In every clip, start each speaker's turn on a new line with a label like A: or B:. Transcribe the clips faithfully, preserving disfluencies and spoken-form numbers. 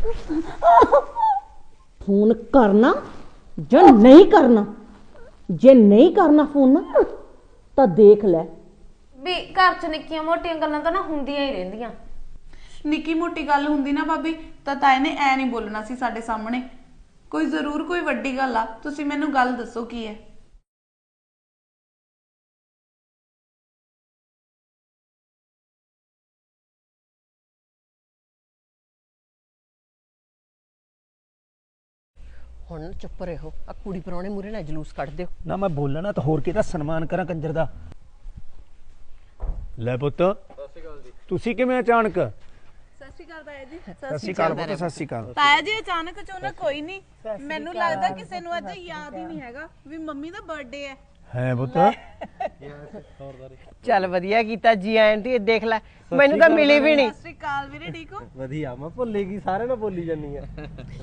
A: Phone करना ਜਾਂ नहीं करना, जे नहीं करना फोन ना तो देख ले
B: भी घर च निक्कियां मोटियां गल्लां तां ना हुंदियां ही रहिंदियां।
C: निक्की मोटी गल हुंदी ना भाभी तां ताए ने ऐ नहीं बोलना सी साडे सामने। कोई जरूर कोई वड्डी गल आ, तुसीं मैनूं गल दसो की है।
D: ਹੁਣ ਚੁੱਪ ਰਹੋ, ਆ ਕੁੜੀ ਪਰਾਉਣੇ ਮੂਰੇ ਨਾ ਜਲੂਸ ਕੱਢ ਦਿਓ
E: ਨਾ। ਮੈਂ ਬੋਲਣਾ ਤਾਂ ਹੋਰ ਕਿਹਦਾ ਸਨਮਾਨ ਕਰਾਂ ਕੰਜਰ ਦਾ। ਲੈ ਪੁੱਤ ਸਤਿ ਸ਼੍ਰੀ ਅਕਾਲ ਜੀ। ਤੁਸੀਂ ਕਿਵੇਂ ਅਚਾਨਕ?
C: ਸਤਿ ਸ਼੍ਰੀ ਅਕਾਲ ਤਾਇਆ ਜੀ।
E: ਸਤਿ ਸ਼੍ਰੀ ਅਕਾਲ ਪੁੱਤ, ਸਤਿ ਸ਼੍ਰੀ ਅਕਾਲ।
C: ਤਾਇਆ ਜੀ ਅਚਾਨਕ ਚੋਂ ਕੋਈ ਨਹੀਂ, ਮੈਨੂੰ ਲੱਗਦਾ ਕਿਸੇ ਨੂੰ ਅੱਜ ਯਾਦ ਹੀ ਨਹੀਂ ਹੈਗਾ ਵੀ ਮੰਮੀ ਦਾ ਬਰਥਡੇ ਹੈ।
E: ਹੈ ਪੁੱਤ
D: ਚੱਲ ਵਧੀਆ ਕੀਤਾ ਜੀ ਆਂਟੀ। ਦੇਖ ਲੈ ਮੈਨੂੰ ਤਾਂ ਮਿਲੀ ਵੀ ਨਹੀਂ।
C: ਸਤਿ ਸ਼੍ਰੀ ਅਕਾਲ ਵੀਰੇ, ਠੀਕ ਹੋ?
F: ਵਧੀਆ। ਮੈਂ ਭੁੱਲੇਗੀ ਸਾਰਿਆਂ ਨੂੰ ਬੋਲੀ ਜਾਨੀ ਆ।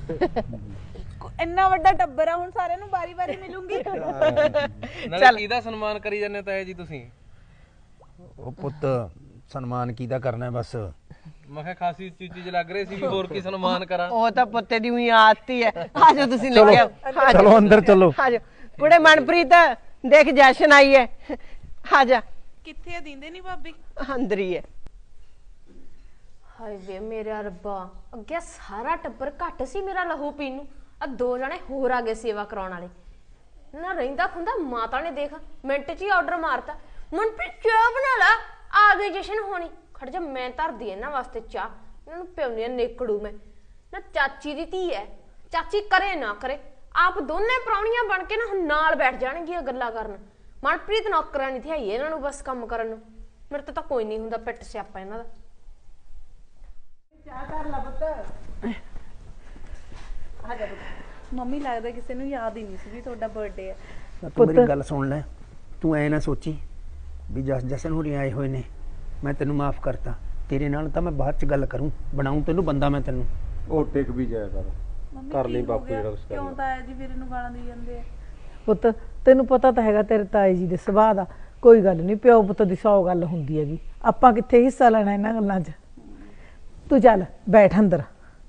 C: ਇੰਨਾ ਵੱਡਾ ਟੱਬਰ ਆ, ਹੁਣ ਸਾਰਿਆਂ ਨੂੰ ਵਾਰੀ-ਵਾਰੀ ਮਿਲੂੰਗੀ।
F: ਨਾਲੇ ਕਿਹਦਾ ਸਨਮਾਨ ਕਰੀ ਜਾਂਦੇ ਤਾਏ ਜੀ ਤੁਸੀਂ?
E: ਉਹ ਪੁੱਤ ਸਨਮਾਨ ਕਿਹਦਾ ਕਰਨਾ ਬਸ।
F: ਮੈਂ ਕਿਹਾ ਖਾਸੀ ਉੱਚੀ ਚੀਜ਼ ਲੱਗ ਰਹੀ ਸੀ ਵੀ ਹੋਰ ਕੀ ਸਨਮਾਨ ਕਰਾਂ।
D: ਉਹ ਤਾਂ ਪੁੱਤੇ ਦੀ ਉਹੀ ਆਦਤ ਹੀ ਹੈ। ਆਜੋ ਤੁਸੀਂ ਲੱਗਿਆ,
E: ਚਲੋ ਅੰਦਰ ਚਲੋ।
D: ਆਜੋ ਕੁੜੇ ਮਨਪ੍ਰੀਤ, ਦੇਖ ਜਸ਼ਨ ਆਈ ਹੈ, ਆਜਾ।
C: ਕਿੱਥੇ ਆ? ਦਿੰਦੇ ਨਹੀਂ ਭਾਬੀ?
D: ਅੰਦਰ ਹੀ ਹੈ।
B: ਹਾਏ ਵੇ ਮੇਰਾ ਰੱਬਾ, ਅੱਗੇ ਸਾਰਾ ਟੱਬਰ ਘੱਟ ਸੀ ਮੇਰਾ ਲਹੂ ਪੀਣ ਨੂੰ, ਆ ਦੋ ਜਣੇ ਹੋਰ ਆ ਗਏ ਸੇਵਾ ਕਰਾਉਣ ਵਾਲੇ। ਨਾ ਰਹਿੰਦਾ ਖੁੰਦਾ ਮਾਤਾ ਨੇ ਦੇਖ ਮਿੰਟ 'ਚ ਹੀ ਆਰਡਰ ਮਾਰਤਾ, ਮਨਪ੍ਰੀਤ ਚਾਹ ਬਣਾ ਲਾ, ਆ ਗਈ ਜਸ਼ਨ ਹੋਣੀ। ਖੜ ਜਾ, ਮੈਂ ਧਰਦੀ ਇਹਨਾਂ ਵਾਸਤੇ ਚਾਹ, ਇਹਨਾਂ ਨੂੰ ਪਿਉਣੀ ਨੇਕੜੂ ਮੈਂ। ਨਾ ਚਾਚੀ ਦੀ ਧੀ ਹੈ, ਚਾਚੀ ਕਰੇ ਨਾ ਕਰੇ, ਆਪ ਦੋਨੇ ਪ੍ਰਾਹੁਣੀਆਂ ਬਣ ਕੇ ਨਾ ਹੁਣ ਨਾਲ ਬੈਠ ਜਾਣਗੀਆਂ ਗੱਲਾਂ ਕਰਨ। ਮਨਪ੍ਰੀਤ ਨੌਕਰਾਂ ਨਹੀਂ ਥਿਆਈ ਇਹਨਾਂ ਨੂੰ ਬਸ ਕੰਮ ਕਰਨ ਨੂੰ। ਮੇਰੇ ਤੋਂ ਤਾਂ ਕੋਈ ਨਹੀਂ ਹੁੰਦਾ ਪਿੱਟ ਸਿਆਪਾ ਇਹਨਾਂ ਦਾ।
C: ਚਾਹ ਕਰ ਲਾ ਪੁੱਤ। ਆ ਜਾ ਪੁੱਤ। ਮੰਮੀ ਲੱਗਦਾ ਕਿਸੇ ਨੂੰ ਯਾਦ ਹੀ ਨਹੀਂ ਸੀ ਵੀ ਤੁਹਾਡਾ ਬਰਥਡੇ ਹੈ।
E: ਤੂੰ ਮੇਰੀ ਗੱਲ ਸੁਣ ਲੈ, ਤੂੰ ਐ ਨਾ ਸੋਚੀ ਵੀ ਜਸ ਜਸਨ ਹੋਰੀ ਆਏ ਹੋਏ ਨੇ ਮੈਂ ਤੈਨੂੰ ਮਾਫ ਕਰਤਾ। ਤੇਰੇ ਨਾਲ ਤਾਂ ਮੈਂ ਬਾਅਦ ਚ ਗੱਲ ਕਰੂੰ, ਬਣਾਉਂ ਤੈਨੂੰ ਬੰਦਾ ਮੈਂ ਤੈਨੂੰ।
G: ਉਹ ਟਿਕ ਵੀ ਜਾਇਆ ਕਰ, ਕਰ ਲਈ ਬਾਪੂ ਜਿਹੜਾ ਕੁਛ ਕਰਨਾ।
C: ਕਿਉਂ ਤਾਇਆ ਜੀ ਵੀਰੇ ਨੂੰ ਗਾਲਾਂ ਦੇ ਜਾਂਦੇ ਆ?
H: ਪੁੱਤ ਤੈਨੂੰ ਪਤਾ ਤਾਂ ਹੈਗਾ ਤੇਰੇ ਤਾਏ ਜੀ ਦੇ ਸੁਭਾਅ ਦਾ। ਕੋਈ ਗੱਲ ਨਹੀਂ, ਪਿਓ ਪੁੱਤ ਦੀ ਸੌ ਗੱਲ ਹੁੰਦੀ ਹੈਗੀ, ਆਪਾਂ ਕਿੱਥੇ ਹਿੱਸਾ ਲੈਣਾ ਇਹਨਾਂ ਗੱਲਾਂ 'ਚ। ਤੂੰ ਚੱਲ ਬੈਠ ਅੰਦਰ।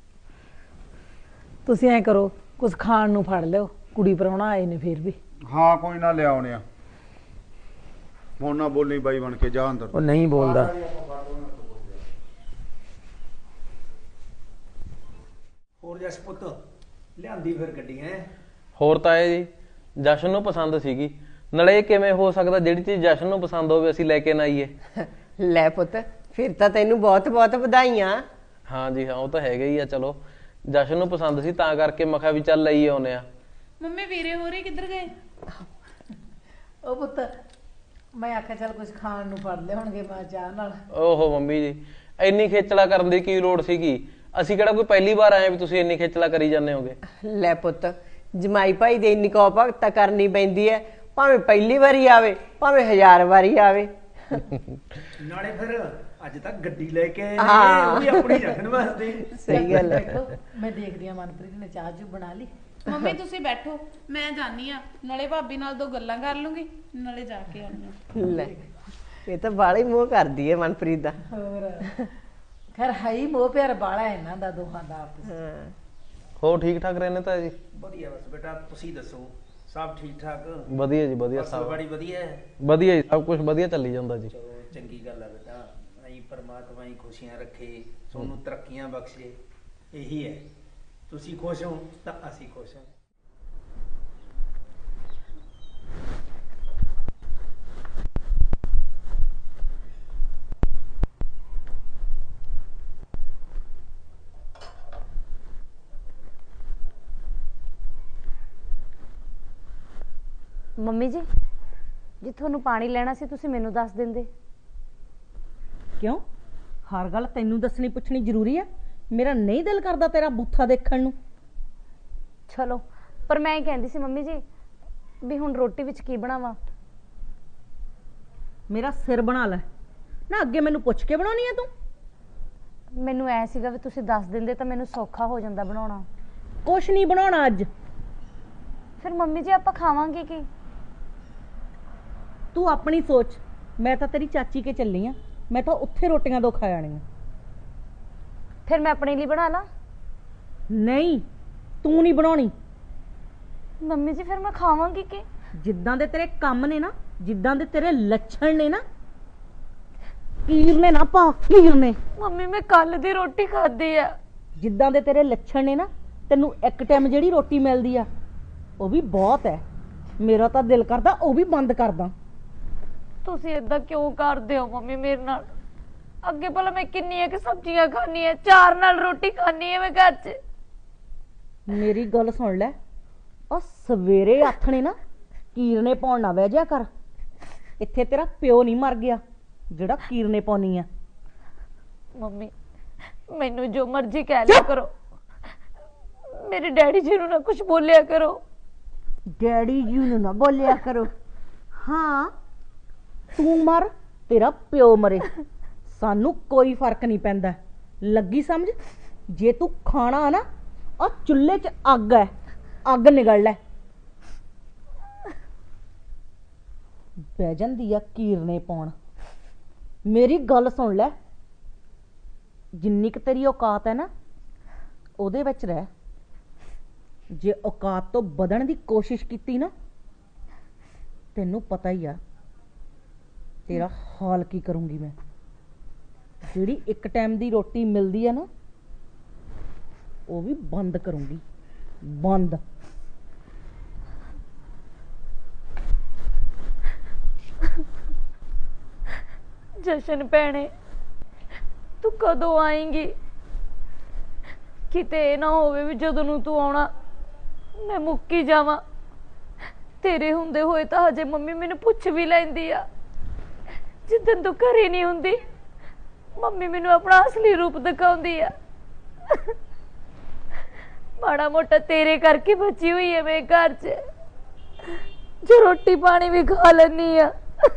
H: ਤੁਸੀਂ ਐਂ ਕਰੋ, ਕੁਝ ਖਾਣ ਨੂੰ ਫੜ ਲਿਓ, ਕੁੜੀ ਪ੍ਰਾਹੁਣਾ ਆਏ ਨੇ ਫੇਰ ਵੀ।
G: ਹਾਂ ਕੋਈ ਨਾ ਲਿਆਉਣੇ ਆ। ਹੁਣ ਨਾ ਬੋਲੀ ਬਾਈ ਬਣ ਕੇ, ਜਾ ਅੰਦਰ।
E: ਉਹ ਨਹੀਂ ਬੋਲਦਾ। ਹੋਰ ਜਸ ਪੁੱਤ ਲਿਆਂਦੀ ਫਿਰ ਗੱਡੀ ਹੈ?
F: ਹੋਰ ਤਾਏ ਜੀ ਜਸ਼ਨ ਨੂੰ ਪਸੰਦ ਸੀਗੀ। ਨਾਲੇ ਇਹ ਕਿਵੇਂ ਹੋ ਸਕਦਾ ਜਿਹੜੀ ਚੀਜ਼ ਜਸ਼ਨ ਨੂੰ ਪਸੰਦ ਹੋਵੇ ਅਸੀਂ ਲੈ ਕੇ ਨਾ ਆਈਏ?
D: ਲੈ ਪੁੱਤ ਫਿਰ ਤਾਂ ਤੈਨੂੰ ਬਹੁਤ ਬਹੁਤ ਵਧਾਈਆਂ।
F: ਹਾਂ ਜੀ ਹਾਂ, ਉਹ ਤਾਂ ਹੈਗਾ ਹੀ ਆ। ਚਲੋ ਜਸ਼ਨ ਨੂੰ ਪਸੰਦ ਸੀ ਤਾਂ ਕਰਕੇ ਮੈਂ ਕਿਹਾ ਵੀ ਚੱਲ ਲਈ ਆਉਨੇ ਆ।
C: ਮੰਮੀ ਵੀਰੇ ਹੋਰੇ ਕਿੱਧਰ ਗਏ?
H: ਉਹ ਪੁੱਤ ਮੈਂ ਆਖਿਆ ਚੱਲ ਕੁਝ ਖਾਣ ਨੂੰ ਫੜ ਲਿਆਉਣਗੇ ਮਾਂ ਚਾਹ ਨਾਲ।
F: ਓਹੋ ਮੰਮੀ ਜੀ, ਇੰਨੀ ਖੇਚਲਾ ਕਰਨ ਦੀ ਕੀ ਲੋੜ ਸੀਗੀ? ਅਸੀਂ ਕਿਹੜਾ ਕੋਈ ਪਹਿਲੀ ਵਾਰ ਆਏ ਵੀ ਤੁਸੀਂ ਇੰਨੀ ਖੇਚਲਾ ਕਰੀ ਜਾਂਦੇ ਹੋਗੇ।
D: ਲੈ ਪੁੱਤ ਜਮਾਈ ਭਾਈ ਦੇ ਇੰਨੀ ਕੋ ਭਗਤ ਕਰਨੀ ਪੈਂਦੀ ਹੈ, ਭਾਵੇਂ ਪਹਿਲੀ ਵਾਰੀ ਆਵੇ ਭਾਵੇਂ ਹਜ਼ਾਰ ਵਾਰੀ ਆਵੇ।
E: ਨਾਲੇ ਫਿਰ ਅੱਜ ਤੱਕ ਗੱਡੀ ਲੈ ਕੇ ਆਏ
D: ਹਾਂ।
E: ਨੇ, ਉਹ ਵੀ ਆਪਣੀ ਰੱਖਣ ਵਾਸਤੇ।
D: ਸਹੀ ਗੱਲ ਹੈ।
H: ਬੈਠੋ, ਮੈਂ ਦੇਖਦੀ ਆ ਮਨਪ੍ਰੀਤ ਨੇ ਚਾਹ ਚੂ ਬਣਾ ਲਈ।
C: ਮੰਮੀ ਤੁਸੀਂ ਬੈਠੋ, ਮੈਂ ਜਾਨੀ ਆ, ਨਾਲੇ ਭਾਬੀ ਨਾਲ ਦੋ ਗੱਲਾਂ ਕਰ ਲੂੰਗੀ, ਨਾਲੇ ਜਾ ਕੇ ਆਉਣੀ ਆ।
D: ਲੈ ਇਹ ਤਾਂ ਬਾਲੀ ਮੋਹ ਕਰਦੀ ਹੈ ਮਨਪ੍ਰੀਤ ਦਾ।
H: ਹੋਰ ਖੈਰ ਹੈ ਹੀ ਮੋਹ ਪਿਆਰ ਬਾਲਾ ਇਹਨਾਂ ਦਾ ਦੋਹਾਂ ਦਾ ਆਪਸ।
D: ਹਾਂ
F: ਹੋਰ ਠੀਕ ਠਾਕ ਰਹਿੰਦੇ ਤਾਂ ਜੀ?
E: ਵਧੀਆ ਬਸ ਬੇਟਾ, ਤੁਸੀਂ ਦੱਸੋ ਸਭ ਠੀਕ ਠਾਕ?
F: ਵਧੀਆ ਜੀ ਵਧੀਆ।
E: ਸਭ ਬੜੀ ਵਧੀਆ ਹੈ।
F: ਵਧੀਆ ਜੀ, ਸਭ ਕੁਝ ਵਧੀਆ ਚੱਲੀ ਜਾਂਦਾ ਜੀ।
E: ਚਲੋ ਚੰਗੀ ਗੱਲ ਹੈ ਬੇਟਾ, ਐਂ ਪਰਮਾਤਮਾ ਹੀ ਖੁਸ਼ੀਆਂ ਰੱਖੇ, ਤੁਹਾਨੂੰ ਤਰੱਕੀਆਂ ਬਖਸ਼ੇ, ਇਹੀ ਹੈ। ਤੁਸੀਂ ਖੁਸ਼ ਹੋ ਤਾਂ ਅਸੀਂ ਖੁਸ਼ ਹਾਂ।
B: ਮੰਮੀ ਜੀ ਜੇ ਤੁਹਾਨੂੰ ਪਾਣੀ ਲੈਣਾ ਸੀ ਤੁਸੀਂ ਮੈਨੂੰ ਦੱਸ ਦਿੰਦੇ।
A: ਕਿਉਂ? ਹਰ ਗੱਲ ਤੈਨੂੰ ਦੱਸਣੀ ਪੁੱਛਣੀ ਜ਼ਰੂਰੀ ਆ? ਮੇਰਾ ਨਹੀਂ ਦਿਲ ਕਰਦਾ ਤੇਰਾ ਬੂਥਾ ਦੇਖਣ ਨੂੰ।
B: ਚਲੋ ਪਰ ਮੈਂ ਇਹ ਕਹਿੰਦੀ ਸੀ ਮੰਮੀ ਜੀ ਵੀ ਹੁਣ ਰੋਟੀ ਵਿੱਚ ਕੀ ਬਣਾਵਾਂ?
A: ਮੇਰਾ ਸਿਰ ਬਣਾ ਲੈ ਨਾ, ਅੱਗੇ ਮੈਨੂੰ ਪੁੱਛ ਕੇ ਬਣਾਉਣੀ ਆ ਤੂੰ?
B: ਮੈਨੂੰ ਐ ਸੀਗਾ ਵੀ ਤੁਸੀਂ ਦੱਸ ਦਿੰਦੇ ਤਾਂ ਮੈਨੂੰ ਸੌਖਾ ਹੋ ਜਾਂਦਾ ਬਣਾਉਣਾ।
A: ਕੁਛ ਨਹੀਂ ਬਣਾਉਣਾ ਅੱਜ।
B: ਫਿਰ ਮੰਮੀ ਜੀ ਆਪਾਂ ਖਾਵਾਂਗੇ ਕੀ?
A: ਤੂੰ ਆਪਣੀ ਸੋਚ, ਮੈਂ ਤਾਂ ਤੇਰੀ ਚਾਚੀ ਕੇ ਚੱਲੀ ਆ, ਮੈਂ ਤਾਂ ਉੱਥੇ ਰੋਟੀਆਂ ਦੋ ਖਾ ਜਾਣੀਆਂ।
B: ਫਿਰ ਮੈਂ ਆਪਣੇ ਲਈ ਬਣਾ ਲਾਂ।
A: ਨਹੀਂ, ਤੂੰ ਨਹੀਂ ਬਣਾਉਣੀ।
I: ਮੰਮੀ ਜੀ ਫਿਰ ਮੈਂ ਖਾਵਾਂਗੀ ਕੀ?
A: ਜਿੱਦਾਂ ਦੇ ਤੇਰੇ ਕੰਮ ਨੇ ਨਾ, ਜਿੱਦਾਂ ਦੇ ਤੇਰੇ ਲੱਛਣ ਨੇ ਨਾ, ਕੀਰ ਨੇ ਨਾ ਪਾ, ਕੀਰ ਨੇ।
I: ਮੰਮੀ ਮੈਂ ਕੱਲ ਦੀ ਰੋਟੀ ਖਾਧੀ ਆ।
A: ਜਿੱਦਾਂ ਦੇ ਤੇਰੇ ਲੱਛਣ ਨੇ ਨਾ, ਤੈਨੂੰ ਇੱਕ ਟਾਈਮ ਜਿਹੜੀ ਰੋਟੀ ਮਿਲਦੀ ਆ ਉਹ ਵੀ ਬਹੁਤ ਹੈ। ਮੇਰਾ ਤਾਂ ਦਿਲ ਕਰਦਾ ਉਹ ਵੀ ਬੰਦ ਕਰਦਾ।
I: ਤੁਸੀਂ ਇਦਾਂ ਕਿਉਂ ਕਰਦੇ ਹੋ ਮੰਮੀ ਮੇਰੇ ਨਾਲ? ਅੱਗੇ ਭਲਾ ਮੈਂ ਕਿੰਨੀਆਂ ਕਿ ਸਬਜ਼ੀਆਂ ਖਾਣੀ ਆ, ਚਾਰ ਨਾਲ ਰੋਟੀ ਖਾਣੀ ਆ ਮੈਂ ਘਰ 'ਚ।
A: ਮੇਰੀ ਗੱਲ ਸੁਣ ਲੈ, ਆ ਸਵੇਰੇ ਆਥਣੇ ਨਾ ਕੀਰਨੇ ਪਾਉਣ ਨਾ ਬਹਿ ਜਾ ਕਰ। ਇੱਥੇ ਤੇਰਾ ਪਿਓ ਨਹੀਂ ਮਰ ਗਿਆ ਜਿਹੜਾ ਕੀਰਨੇ ਪਾਉਣੀ ਆ।
I: ਮੰਮੀ ਮੈਨੂੰ ਜੋ ਮਰਜ਼ੀ ਕਹਿ ਲਿਆ ਕਰੋ, ਮੇਰੇ ਡੈਡੀ ਜੀ ਨੂੰ ਨਾ ਕੁਝ ਬੋਲਿਆ ਕਰੋ।
A: ਡੈਡੀ ਜੀ ਨੂੰ ਨਾ ਬੋਲਿਆ ਕਰੋ। ਹਾਂ, ਤੂੰ ਮਰ, ਤੇਰਾ ਪਿਓ ਮਰੇ, ਸਾਨੂੰ ਕੋਈ ਫਰਕ ਨਹੀਂ ਪੈਂਦਾ। ਲੱਗੀ ਸਮਝ? ਜੇ ਤੂੰ ਖਾਣਾ ਨਾ, ਆ ਚੁੱਲ੍ਹੇ 'ਚ ਅੱਗ ਹੈ, ਅੱਗ ਨਿਗਲ ਲੈ। ਬਹਿ ਜਾਂਦੀ ਆ ਕੀਰਨੇ ਪਾਉਣ। ਮੇਰੀ ਗੱਲ ਸੁਣ ਲੈ, ਜਿੰਨੀ ਕੁ ਤੇਰੀ ਔਕਾਤ ਹੈ ਨਾ ਉਹਦੇ ਵਿੱਚ ਰਹਿ। ਜੇ ਔਕਾਤ ਤੋਂ ਵਧਣ ਦੀ ਕੋਸ਼ਿਸ਼ ਕੀਤੀ ਨਾ, ਤੈਨੂੰ ਪਤਾ ਹੀ ਆ ਤੇਰਾ ਹਾਲ ਕੀ ਕਰੂੰਗੀ ਮੈਂ। ਜਿਹੜੀ ਇੱਕ ਟਾਈਮ ਦੀ ਰੋਟੀ ਮਿਲਦੀ ਆ ਨਾ, ਉਹ ਵੀ ਬੰਦ ਕਰੂੰਗੀ, ਬੰਦ।
I: ਜਸ਼ਨ ਭੈਣੇ ਤੂੰ ਕਦੋਂ ਆਏਂਗੀ? ਕਿਤੇ ਇਹ ਨਾ ਹੋਵੇ ਵੀ ਜਦੋਂ ਨੂੰ ਤੂੰ ਆਉਣਾ ਮੈਂ ਮੁੱਕੀ ਜਾਵਾਂ। ਤੇਰੇ ਹੁੰਦੇ ਹੋਏ ਤਾਂ ਹਜੇ ਮੰਮੀ ਮੈਨੂੰ ਪੁੱਛ ਵੀ ਲੈਂਦੀ ਆ। ਜਿੱਦਣ ਤੂੰ ਘਰੇ ਨਹੀਂ ਹੁੰਦੀ ਮੰਮੀ ਮੈਨੂੰ ਆਪਣਾ ਅਸਲੀ ਰੂਪ ਦਿਖਾਉਂਦੀ ਆ। ਮਾੜਾ ਮੋਟਾ ਤੇਰੇ ਕਰਕੇ ਬਚੀ ਹੋਈ ਹੈ ਮੈਂ ਘਰ 'ਚ, ਜੋ ਰੋਟੀ ਪਾਣੀ ਵੀ ਖਾ ਲੈਂਦੀ ਆ।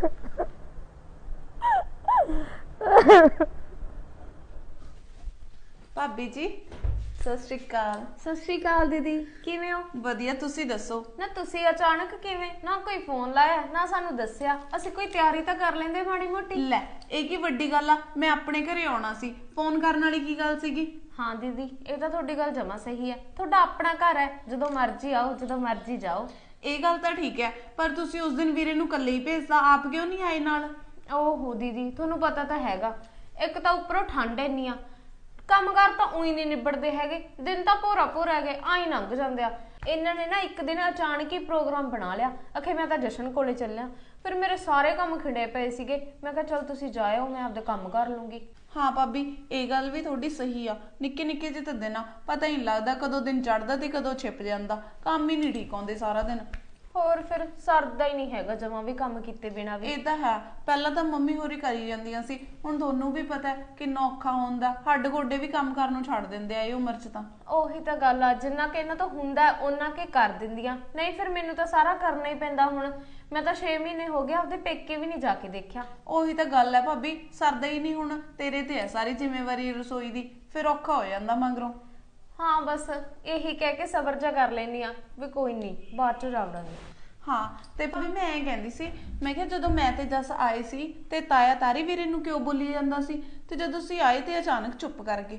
C: ਭਾਬੀ ਜੀ ਸਤਿ ਸ਼੍ਰੀ ਅਕਾਲ।
B: ਸਤਿ ਸ਼੍ਰੀ ਅਕਾਲ ਦੀਦੀ, ਕਿਵੇਂ ਹੋ?
C: ਵਧੀਆ, ਤੁਸੀਂ ਦੱਸੋ?
B: ਨਾ ਤੁਸੀਂ ਅਚਾਨਕ ਕਿਵੇਂ? ਨਾ ਕੋਈ ਫੋਨ ਲਾਇਆ ਨਾ ਸਾਨੂੰ ਦੱਸਿਆ। ਅਸੀਂ ਕੋਈ ਤਿਆਰੀ ਤਾਂ ਕਰ ਲੈਂਦੇ ਮਾੜੀ ਮੋਟੀ।
C: ਲੈ ਇਹ ਕੀ ਵੱਡੀ ਗੱਲ ਆ, ਮੈਂ ਆਪਣੇ ਘਰੇ ਆਉਣਾ ਸੀ, ਫੋਨ ਕਰਨ ਵਾਲੀ ਕੀ ਗੱਲ ਸੀਗੀ?
B: ਹਾਂ ਦੀਦੀ, ਇਹ ਤਾਂ ਤੁਹਾਡੀ ਗੱਲ ਜਮਾ ਸਹੀ ਹੈ। ਤੁਹਾਡਾ ਆਪਣਾ ਘਰ ਹੈ, ਜਦੋਂ ਮਰਜ਼ੀ ਆਓ, ਜਦੋਂ ਮਰਜ਼ੀ ਜਾਓ।
C: ਇਹ ਗੱਲ ਤਾਂ ਠੀਕ ਹੈ, ਪਰ ਤੁਸੀਂ ਉਸ ਦਿਨ ਵੀਰੇ ਨੂੰ ਇਕੱਲੇ ਹੀ ਭੇਜਦਾ, ਆਪ ਕਿਉਂ ਨਹੀਂ ਆਏ ਨਾਲ?
B: ਓਹੋ ਦੀਦੀ, ਤੁਹਾਨੂੰ ਪਤਾ ਤਾਂ ਹੈਗਾ, ਇੱਕ ਤਾਂ ਉੱਪਰੋਂ ਠੰਡ ਇੰਨੀ ਆ, ਕੰਮਕਾਰ ਤਾਂ ਉਹੀ ਨਹੀਂ ਨਿਬੜਦੇ ਹੈਗੇ। ਦਿਨ ਤਾਂ ਭੋਰਾ ਭੋਰਾ ਹੈਗੇ, ਆਈ ਲੰਘ ਜਾਂਦੇ ਆ। ਇਹਨਾਂ ਨੇ ਨਾ ਇੱਕ ਦਿਨ ਅਚਾਨਕ ਹੀ ਪ੍ਰੋਗਰਾਮ ਬਣਾ ਲਿਆ। ਅਖੇ ਮੈਂ ਤਾਂ ਜਸ਼ਨ ਕੋਲੇ ਚੱਲਿਆ, ਫਿਰ ਮੇਰੇ ਸਾਰੇ ਕੰਮ ਖਿੰਡੇ ਪਏ ਸੀਗੇ। ਮੈਂ ਕਿਹਾ ਚਲ ਤੁਸੀਂ ਜਾਇਓ, ਮੈਂ ਆਪਦੇ ਕੰਮ ਕਰ ਲੂੰਗੀ।
C: ਹਾਂ ਭਾਬੀ, ਇਹ ਗੱਲ ਵੀ ਤੁਹਾਡੀ ਸਹੀ ਆ। ਨਿੱਕੇ ਨਿੱਕੇ ਜਿਹੇ ਤਾਂ ਦਿਨ ਆ, ਪਤਾ ਹੀ ਨਹੀਂ ਲੱਗਦਾ ਕਦੋਂ ਦਿਨ ਚੜ੍ਹਦਾ ਤੇ ਕਦੋਂ ਛਿਪ ਜਾਂਦਾ। ਕੰਮ ਹੀ ਨਹੀਂ ਠੀਕ ਆਉਂਦੇ ਸਾਰਾ ਦਿਨ।
B: ਹੋਰ ਫਿਰ ਸਰਦਾ ਹੀ ਨਹੀਂ ਹੈਗਾ ਜਮਾਂ ਵੀ ਕੰਮ ਕੀਤੇ ਬਿਨਾਂ ਵੀ।
C: ਇਹ ਤਾਂ ਹੈ, ਪਹਿਲਾਂ ਤਾਂ ਮੰਮੀ ਹੋਰੀ ਕਰੀ ਜਾਂਦੀਆਂ ਸੀ, ਹੁਣ ਤੁਹਾਨੂੰ ਵੀ ਪਤਾ ਹੈ ਕਿੰਨਾ ਔਖਾ ਹੁੰਦਾ। ਹੱਡ ਗੋਡੇ ਵੀ ਕੰਮ ਕਰਨ ਨੂੰ ਛੱਡ ਦਿੰਦੇ ਆ ਇਹ ਉਮਰ 'ਚ ਤਾਂ।
B: ਉਹੀ ਤਾਂ ਗੱਲ ਆ, ਜਿੰਨਾ ਕਿ ਇਹਨਾਂ ਤੋਂ ਹੁੰਦਾ ਉਹਨਾਂ ਕੇ ਕਰ ਦਿੰਦੀਆਂ, ਨਹੀਂ ਫਿਰ ਮੈਨੂੰ ਤਾਂ ਸਾਰਾ ਕਰਨਾ ਹੀ ਪੈਂਦਾ। ਹੁਣ ਮੈਂ ਤਾਂ ਛੇ ਮਹੀਨੇ ਹੋ ਗਏ ਆਪਦੇ ਪੇਕੇ ਵੀ ਨਹੀਂ ਜਾ ਕੇ ਦੇਖਿਆ।
C: ਉਹੀ ਤਾਂ ਗੱਲ ਹੈ ਭਾਬੀ, ਸਰਦਾ ਹੀ ਨਹੀਂ। ਹੁਣ ਤੇਰੇ ਤੇ ਹੈ ਸਾਰੀ ਜ਼ਿੰਮੇਵਾਰੀ ਰਸੋਈ ਦੀ, ਫਿਰ ਔਖਾ ਹੋ ਜਾਂਦਾ ਮਗਰੋਂ।
B: ਹਾਂ ਬਸ ਇਹੀ ਕਹਿ ਕੇ ਸਬਰ ਜਾ ਕਰ ਲੈਨੀ ਆ ਵੀ ਕੋਈ ਨਹੀਂ, ਬਾਅਦ ਚ ਜਾਵੜਾਂਗੇ।
C: ਹਾਂ ਤੇ ਭਾਬੀ ਮੈਂ ਇਹ ਕਹਿੰਦੀ ਸੀ, ਮੈਂ ਕਿਹਾ ਜਦੋਂ ਮੈਂ ਤੇ ਜਸ ਆਏ ਸੀ ਤੇ ਤਾਇਆ ਤਾਰੀ ਵੀਰੇ ਨੂੰ ਕਿਉਂ ਬੋਲੀ ਜਾਂਦਾ ਸੀ, ਤੇ ਜਦੋਂ ਤੁਸੀਂ ਆਏ ਤੇ ਅਚਾਨਕ ਚੁੱਪ ਕਰ ਗਏ।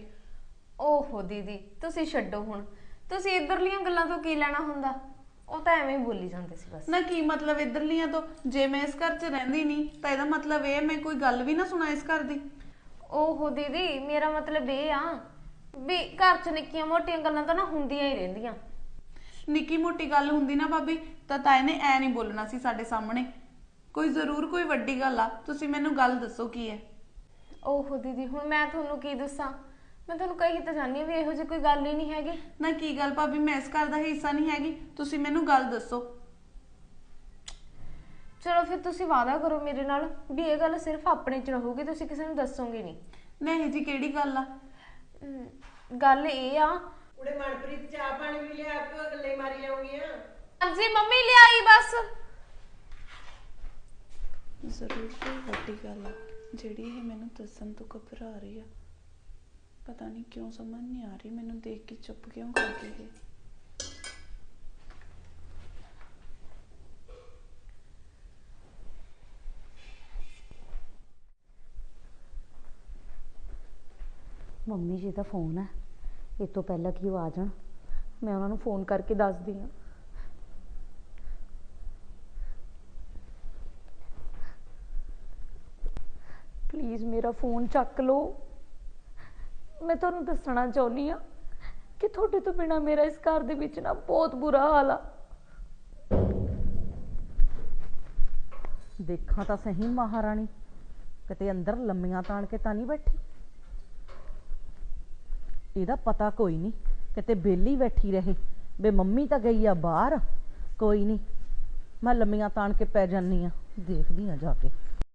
B: ਓਹੋ ਦੀਦੀ ਤੁਸੀਂ ਛੱਡੋ ਹੁਣ, ਤੁਸੀਂ ਇੱਧਰਲੀਆਂ ਗੱਲਾਂ ਤੋਂ ਕੀ ਲੈਣਾ ਹੁੰਦਾ? ਉਹ ਤਾਂ ਐਵੇਂ ਹੀ ਬੋਲੀ ਜਾਂਦੇ ਸੀ ਬਸ।
C: ਨਾ ਕੀ ਮਤਲਬ ਇੱਧਰਲੀਆਂ ਤੋਂ? ਜੇ ਮੈਂ ਇਸ ਘਰ 'ਚ ਰਹਿੰਦੀ ਨਹੀਂ ਤਾਂ ਇਹਦਾ ਮਤਲਬ ਇਹ ਮੈਂ ਕੋਈ ਗੱਲ ਵੀ ਨਾ ਸੁਣਾ ਇਸ ਘਰ ਦੀ?
B: ਓਹੋ ਦੀਦੀ, ਮੇਰਾ ਮਤਲਬ ਇਹ ਆ ਵੀ ਘਰ 'ਚ ਨਿੱਕੀਆਂ ਮੋਟੀਆਂ ਗੱਲਾਂ ਤਾਂ ਨਾ ਹੁੰਦੀਆਂ ਹੀ ਰਹਿੰਦੀਆਂ।
C: ਨਿੱਕੀ ਮੋਟੀ ਗੱਲ ਹੁੰਦੀ ਨਾ ਭਾਬੀ ਤਾਂ ਤਾਏ ਨੇ ਐ ਨਹੀਂ ਬੋਲਣਾ ਸੀ ਸਾਡੇ ਸਾਹਮਣੇ। ਕੋਈ ਜ਼ਰੂਰ ਕੋਈ ਵੱਡੀ ਗੱਲ ਆ, ਤੁਸੀਂ ਮੈਨੂੰ ਗੱਲ ਦੱਸੋ ਕੀ ਹੈ?
B: ਓਹੋ ਦੀਦੀ, ਹੁਣ ਮੈਂ ਤੁਹਾਨੂੰ ਕੀ ਦੱਸਾਂ? ਮੈਂ ਤੁਹਾਨੂੰ ਕਹੀ ਤਾਂ ਜਾਨੀ ਆ ਵੀ ਇਹੋ ਜਿਹੀ ਕੋਈ ਗੱਲ ਹੀ ਨਹੀਂ ਹੈਗੀ।
C: ਨਾ ਕੀ ਗੱਲ ਭਾਬੀ, ਮੈਂ ਇਸ ਘਰ ਦਾ ਹਿੱਸਾ ਨਹੀਂ ਹੈਗੀ? ਤੁਸੀਂ ਮੈਨੂੰ ਗੱਲ ਦੱਸੋ।
B: ਚਲੋ ਫਿਰ ਤੁਸੀਂ ਵਾਅਦਾ ਕਰੋ ਮੇਰੇ ਨਾਲ ਵੀ ਇਹ ਗੱਲ ਸਿਰਫ ਆਪਣੇ 'ਚ ਰਹੂਗੀ, ਤੁਸੀਂ ਕਿਸੇ ਨੂੰ ਦੱਸੋਗੇ ਨਹੀਂ।
C: ਨਹੀਂ ਜੀ, ਕਿਹੜੀ ਗੱਲ ਆ?
B: ਗੱਲ ਇਹ ਆ,
D: ਉੜੇ ਮਨਪ੍ਰੀਤ ਚਾਹ ਪਾਣੀ ਵੀ ਲਿਆ ਕੇ ਗੱਲੇ ਮਾਰੀ ਜਾਊਗੀਆਂ।
B: ਹਾਂਜੀ ਮੰਮੀ ਲਿਆਈ ਬਸ।
C: ਜ਼ਰੂਰ ਕੋਈ ਵੱਡੀ ਗੱਲ ਆ ਜਿਹੜੀ ਇਹ ਮੈਨੂੰ ਦੱਸਣ ਤੋਂ ਘਬਰਾ ਰਹੀ ਆ। ਪਤਾ ਨਹੀਂ ਕਿਉਂ ਸਮਝ ਨਹੀਂ ਆ ਰਹੀ ਮੈਨੂੰ ਦੇਖ ਕੇ ਚੁੱਪ ਕਿਉਂ ਕਰ ਗਈ ਇਹ।
A: ਮੰਮੀ ਜੀ ਦਾ ਫੋਨ ਹੈ,
I: ਇਹ ਤੋਂ ਪਹਿਲਾਂ ਕਿ ਉਹ ਆ ਜਾਣ ਮੈਂ ਉਹਨਾਂ ਨੂੰ ਫੋਨ ਕਰਕੇ ਦੱਸਦੀ ਹਾਂ। ਪਲੀਜ਼ ਮੇਰਾ ਫੋਨ ਚੱਕ ਲਓ। ਮੈਂ ਤੁਹਾਨੂੰ ਦੱਸਣਾ ਚਾਹੁੰਦੀ ਹਾਂ ਕਿ ਤੁਹਾਡੇ ਤੋਂ ਬਿਨਾ ਮੇਰਾ ਇਸ ਘਰ ਦੇ ਵਿੱਚ ਨਾ ਬਹੁਤ ਬੁਰਾ ਹਾਲ ਆ।
A: ਦੇਖਾਂ ਤਾਂ ਸਹੀ ਮਹਾਰਾਣੀ, ਕਿਤੇ ਅੰਦਰ ਲੰਮੀਆਂ ਤਾਣ ਕੇ ਤਾਂ ਨਹੀਂ ਬੈਠੀ। ਇਹਦਾ ਪਤਾ ਕੋਈ ਨਹੀਂ, ਕਿਤੇ ਬੇਲੀ ਬੈਠੀ ਰਹੇ ਬੇ ਮੰਮੀ ਤਾਂ ਗਈ ਆ ਬਾਹਰ। ਕੋਈ ਨਹੀਂ, ਮੈਂ ਲੰਮੀਆਂ ਤਾਣ ਕੇ ਪੈ ਜਾਨੀ ਆ, ਦੇਖਦੀ ਆ ਜਾ ਕੇ।